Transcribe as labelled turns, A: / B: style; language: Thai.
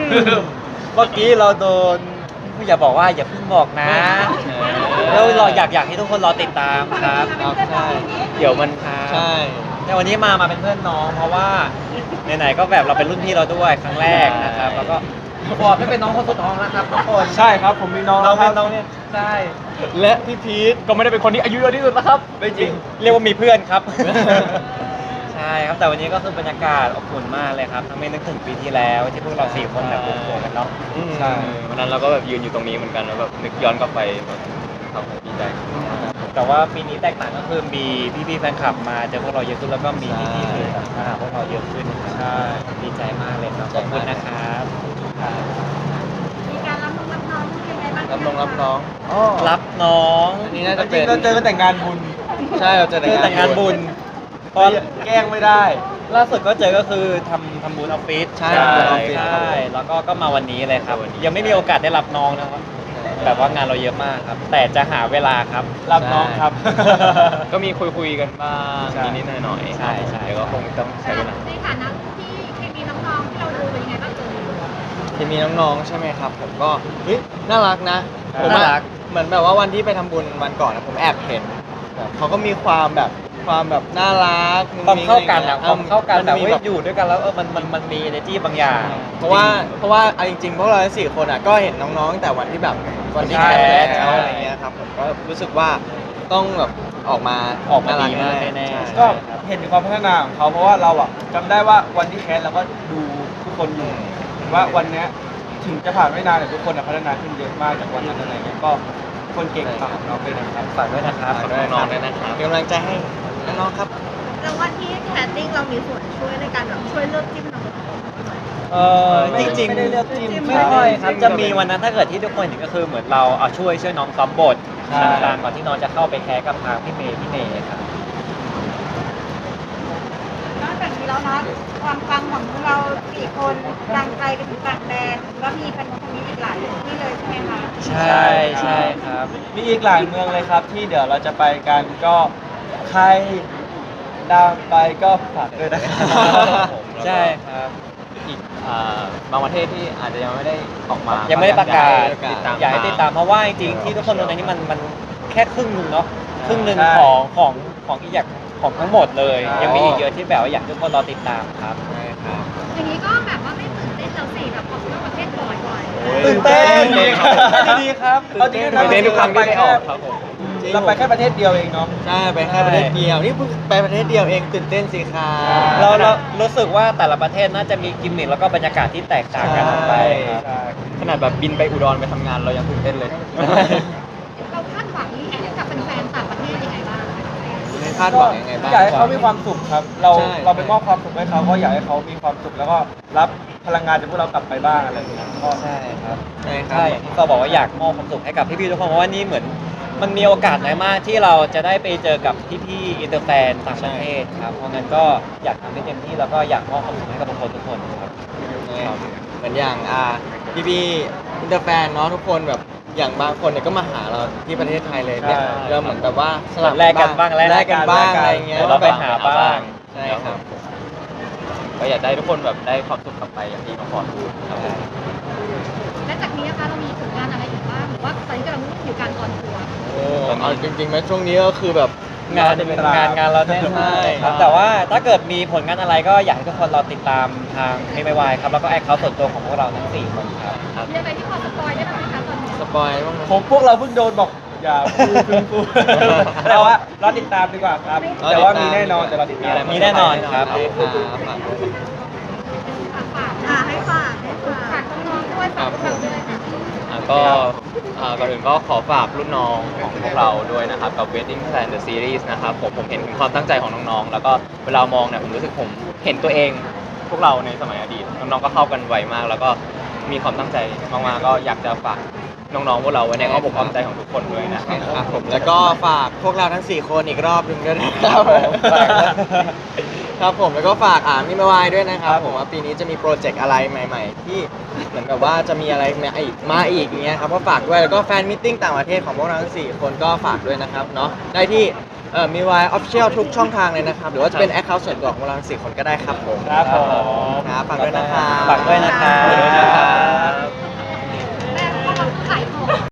A: เมื่อกี้เราโดนอย่าบอกว่าอย่าเพิ่งบอกนะแล้วเราอยากให้ทุกคนรอติดตามครับ
B: ครับใช่
A: เดี๋ยวมันครับ
B: ใช่
A: แต่วันนี้มาเป็นเพื่อนน้อง เพราะว่าไหนๆก็แบบเราเป็นรุ่นพี่เราด้วยครั้งแรกนะครับแล้วก็ขอไม่เป็นน้องคนสุดท้องนะครับทุกคน
C: ใช่ครับผมมีน้อง
A: น้อง
C: ค
A: เป็
C: รับ
A: นน้องเนี่ยใช่
B: และพี่พีทก็ไม่ได้เป็นคนที่อายุเยอะที่สุดนะครับ
A: ไม่จริงเรียกว่ามีเพื่อนครับ ใช่ครับแต่วันนี้ก็คือบรรยากาศอบอุ่นมากเลยครับทั้งไม่นึกถึงปีที่แล้วที่พวกเราสี่คนแบบรวมตัวกันเนาะ
C: ใช่
D: วันนั้นเราก็แบบยืนอยู่ตรงนี้เหมือนกันแล้วแบบนึกย้อนกลับไปแบบครับผมดีใจ
A: แต่ว่าปีนี้แตกต่างก็คือมีพี่ๆแฟนคลับมาเจอพวกเราเยอะขึ้นแล้วก็มีพี่ๆสื่อต่างมาหาพวกเราเยอะขึ้นครับ
C: ใช่
A: ดีใจมากเลยครับขอบคุณนะครับ
E: มีการรับน้องยังไงบ้าง
B: รับน้อง
A: รับน้อง
B: อันนี้น่า
C: จ
B: จะ
C: ริ
B: เป็
C: ง
B: น
C: ๆเราเจอกันแต่งงานบุญ
B: ใช่เราเจอ
A: คือแต่งงานบุญต
C: ก็
A: อน
C: แกล้งไม่ได้
A: ล่าสุดก็เจอก็คือทำบุญออฟฟิศ
B: ใช่
A: ใช่
B: ทำบุญออฟฟิศ
A: ใช่แล้วก็มาวันนี้เลยครับ ยังไม่มีโอกาสได้รับน้องนะครับแบบว่างานเราเยอะมากครับ แต่จะหาเวลาครับ
C: รับน้องครับ
D: ก็มีคุยกันบ้าง
C: ใช่
D: นิดๆหน่อยๆ
A: ใช่ใช่
D: เดี๋ยวก็คงต้องใช้เวลา
E: ในฐานะที่เคมีน้องๆที่เราดูเป็นยังไงบ้างเอ่ย
B: ที่มีน้องๆใช่ไหมครับ ผมก็เฮ้ยน่ารักนะผม
A: น่า
B: อะ
A: รัก
B: เหมือนแบบว่าวันที่ไปทำบุญวันก่อนนะผมแอบเห็นแบบเขาก็มีความแบบน่ารัก
A: ความเข้ากันอะ
B: มุ้ง
A: ความ
B: มิ้ง
A: เข้ากันแบบ
B: มี
A: ว่าอยู่ด้วยกันแล้วมันมี energy บางอย่าง
B: เพราะว่าเอาจริงๆพวกเราทั้งสี่คนอ่ะก็เห็นน้องๆตั้งแต่วันที่แบบวันที่
A: ใช่
B: แคส
A: ใช่
B: แล้วอะไรเงี้ยครับผมก็รู้สึกว่าต้องแบบออกมา
A: ดีมาก
B: น่
A: แน่ๆ
B: ใช่
C: ก็เห็นถึงความพัฒนาของเขาเพราะว่าเราอะจำได้ว่าวันที่แคสเราก็ดูทุกคนอยู่เห็นว่าวันเนี้ยถึงจะผ่านไม่นานแต่ทุกคนอะพัฒนาขึ้นเยอะมากจากวันนั้นอะไรเงี้ยก็คนเก่งฝากน้องด้วยนะครับ
A: ฝากด้วยนะครับ
D: ฝากน้องๆด้วยนะครับ
B: เป็นกำลังใจให้น้องๆครับ
E: แล้ววันที่แคสติ้งเรามีส่วนช่วยในการแบบช่วยเลือกจิ้มน้อง
A: จริง
C: ไม่ได้เลือกจิ้ม
A: ไม่ค่อยครับจะมีวันนั้นถ้าเกิดที่ทุกคนเห็นก็คือเหมือนเราเอาช่วยน้องซ้อมบท
C: ใช่
A: ต่างๆก่อนที่น้องจะเข้าไปแคสกับทางพี่เนยครับ
E: นอกจากนี้แล้วนะความฟังของเราสี่คนดังไกลไปถึงต่างแดนแล้วมีกันคนนี้อีกหลายที่เลยใช่ไหมคะ
A: ใช่ใช่ครับ
C: มีอีกหลายเมืองเลยครับที่เดี๋ยวเราจะไปกันก็ใครดังไปก็ฝากด้วยนะครับ
A: ใช่ครับ
D: อีกบางประเทศที่อาจจะยังไม่ได้ออกมา
A: ยังไม่ได้ประกาศ
D: ติดตาม
A: อยากให้ติดตามเพราะว่าจริงๆที่ทุกคนตรงนี้มันแค่ครึ่งหนึงเนาะครึ่งหนึง
C: ใช่
A: ของอีกอย่างของทั้งหมดเลย
C: ใช่
A: ยังมีอีกเยอะที่แบบว่าอยากให้ทุกคนรอติดตามครับ
B: ใช่ครับ
E: อย่างนี้ก็แบบว่าไม่ตื่นเต้นแล้วสิแบบออกนอกประเทศบ่อย
A: ตื่นเต้น
C: ดีครับเอาจริงๆนะ
D: ตื่นเต้นทุกครั้งที่ได้ออกครับผม
C: เราไปแค่ประเทศเดียวเองเนาะ
B: ใช่ไปแค่ประเทศเดียวนี่เพิ่งไปประเทศเดียวเองตื่นเต้นสิครับ
A: เรารู้สึกว่าแต่ละประเทศน่าจะมีกิมมิคแล้วก็บรรยากาศที่แตกต่างกันออกไปครับ
D: ขนาดแบบบินไปอุดรไปทำงานเรายังตื่นเต้นเลย
E: ๆเราคาดหวังกับแฟนๆต่างประเทศยังไงบ้าง
B: ในคาดหวังยังไงบ้าง
C: อยากให้เขามีความสุขครับ เรา
B: ใช่
C: เราไปมอบความสุขให้เขาก็อยากให้เขามีความสุขแล้วก็รับพลังงานจากพวกเรากลับไปบ้างอะไรอย่างเงี้ยก็
A: ใช่ครับ
B: ใช่ครั
A: ใช่
B: บ
A: อย่างที่เราบอกว่าอยากมอบความสุขให้กับพี่ๆทุกคนเพราะว่านี่เหมือนมันมีโอกาสน้อยมากที่เราจะได้ไปเจอกับพี่ๆอินเตอร์แฟนต่างประเทศครับเพราะงั้นก็อยากทำให้เต็มที่แล้วก็อยากมอบความสุขให้กับทุกคนครับ
B: เหมือนอย่างพี่อินเตอร์แฟนเนาะทุกคนแบบอย่างบางคนเนี่ยก็มาหาเราที่ประเทศไทยเลยเนี่ยเราเหมือนแบบว่าสลับ
A: แลกกันบ้าง
B: แลกกันบ้างอะไรเงี้ย
A: เราไปหาบ้าง
B: ใช่ครับ
D: ก็อยากได้ทุกคนแบบได้ความสุขกลับไปอย่างที่น้องฟอนพูดครับผม
E: และจากนี้นะคะเรามีผลงานอะไรอีกบ้างหรือว่าตอนนี้กำลังอยู่การออนทัวร์
B: โอ้เอาจริงๆไหมช่วงนี้ก็คือแบบ
A: งานเราแน่นมากครับแต่ว่าถ้าเกิดมีผลงานอะไรก็อยากให้ทุกคนรอติดตามทางไม่ไม่วายครับแล้วก็แอคเคาท์ส่วนตัวของพวกเราทั้ง4คนครับ
E: มีอะไรที่พอสปอยได้บ้างไหมคะตอนนี้
B: สปอยบ้างไหม
C: ผมพวกเราเพิ่งโดนบอกอย่าพูดแต่ว่ารอติดตามดีกว่าครับ แต่ว่ามีแน่นอนแต่เราติดตาม
A: มีแน่นอนครับ
B: ฝากด้วย
E: ฝากให้ฝากน้องๆด้วยฝากพวกเราด้วยค่ะ
D: ก็ก่อนอื่นก็ขอฝากรุ่นน้องของพวกเราด้วยนะครับกับ Wedding Plan The Series นะครับผมเห็นถึงความตั้งใจของน้องๆ แล้วก็เวลามองเนี่ยผมรู้สึกผมเห็นตัวเองพวกเราในสมัยอดีตน้องๆก็เข้ากันไวมาก แล้วก็มีความตั้งใจมากๆก็อยากจะฝากน้องๆพวกเราไว้ในอ้อมอกอ้อมใจของทุกคนด้วยนะครับ
B: ครับผมแล้วก็ฝากพวกเราทั้ง 4 คนอีกรอบหนึ่งด้วยนะครับครับผมแล้วก็ฝากมิมาวายด้วยนะครับผมว่าปีนี้จะมีโปรเจกต์อะไรใหม่ ๆ ที่เหมือนแบบว่าจะมีอะไรมาอีกอย่างเงี้ยครับก็ฝากด้วยแล้วก็แฟนมิทติ้งต่างประเทศของพวกเราทั้ง 4 คนก็ฝากด้วยนะครับเนาะได้ที่มีวายออฟฟิเชียลทุกช่องทางเลยนะครับหรือว่าจะเป็นแอคเคาท์ส่วนตัวของพวกเราทั้ง 4 คนก็ได้ครับผม
C: ครับผม
B: ครับฝากด้วยนะครับ
A: ฝากด้วยนะครับ
B: ฝากด้วยนะครับ